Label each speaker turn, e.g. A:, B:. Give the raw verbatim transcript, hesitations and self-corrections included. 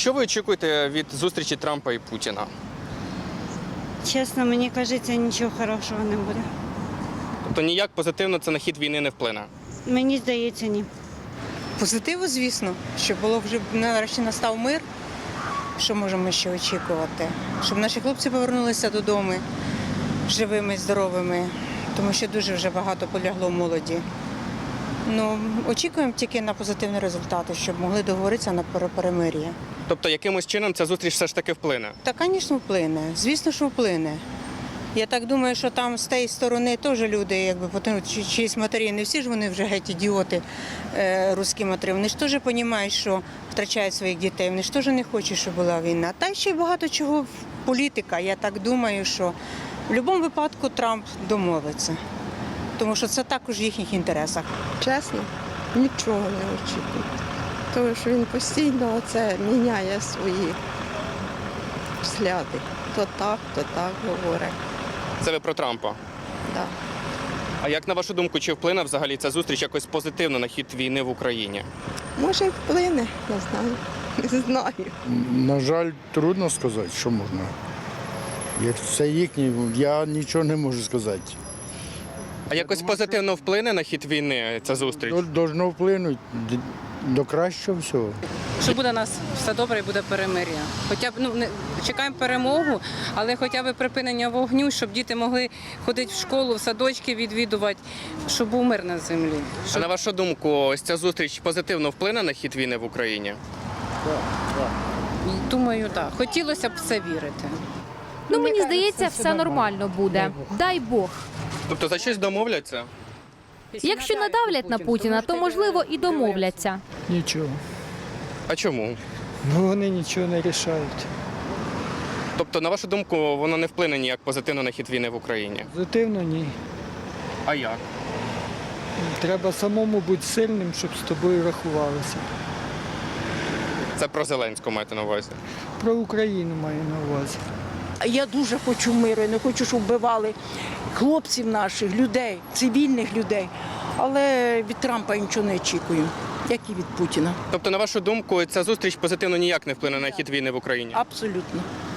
A: Що ви очікуєте від зустрічі Трампа і Путіна?
B: Чесно, мені кажеться, нічого хорошого не буде.
A: Тобто ніяк позитивно це на хід війни не вплине?
B: Мені здається, ні.
C: Позитиву, звісно, щоб було вже нарешті настав мир. Що можемо ще очікувати? Щоб наші хлопці повернулися додому живими, здоровими, тому що дуже вже багато полягло молоді. Ну, очікуємо тільки на позитивні результати, щоб могли договоритися на перемир'я.
A: Тобто якимось чином ця зустріч все ж таки вплине?
C: Та, звісно, вплине. Звісно, що вплине. Я так думаю, що там з тієї сторони теж люди, якби потягнуть чиїсь матері, не всі ж вони вже геть ідіоти, е, русські матері. Вони ж теж розуміють, що втрачають своїх дітей, вони ж теж не хочуть, щоб була війна. Та ще й багато чого політика. Я так думаю, що в будь-якому випадку Трамп домовиться, тому що це також в їхніх інтересах.
D: Чесно, нічого не очікую. Тому що він постійно оце міняє свої взгляди. То так, то так говорить.
A: Це ви про Трампа.
D: Да.
A: А як на вашу думку, чи вплине взагалі ця зустріч якось позитивно на хід війни в Україні?
D: Може, й вплине, не знаю. Не знаю.
E: На жаль, трудно сказати, що можна. Як це їхнє, я нічого не можу сказати.
A: А якось позитивно вплине на хід війни ця зустріч?
E: До- Должно вплинути д- до кращого всього.
F: Що буде у нас все добре і буде перемир'я. Хоча б ну не чекаємо перемогу, але хоча б припинення вогню, щоб діти могли ходити в школу, в садочки відвідувати, щоб був мир на землі.
A: А
F: Щоб...
A: на вашу думку, ось ця зустріч позитивно вплине на хід війни в Україні?
F: Думаю, так. Хотілося б в це вірити.
G: Ну, мені здається, все нормально буде. Дай Бог.
A: Тобто за щось домовляться?
G: Якщо надавлять на Путіна, то, можливо, і домовляться.
H: Нічого.
A: А чому?
H: Ну вони нічого не рішають.
A: Тобто, на вашу думку, воно не вплине ніяк позитивно на хід війни в Україні?
H: Позитивно ні.
A: А як?
H: Треба самому бути сильним, щоб з тобою рахувалися.
A: Це про Зеленського маєте на увазі?
H: Про Україну маю на увазі.
I: Я дуже хочу миру, я не хочу, щоб вбивали хлопців наших, людей, цивільних людей. Але від Трампа я нічого не очікую, як і від Путіна.
A: Тобто, на вашу думку, ця зустріч позитивно ніяк не вплине на хід війни в Україні?
I: Абсолютно.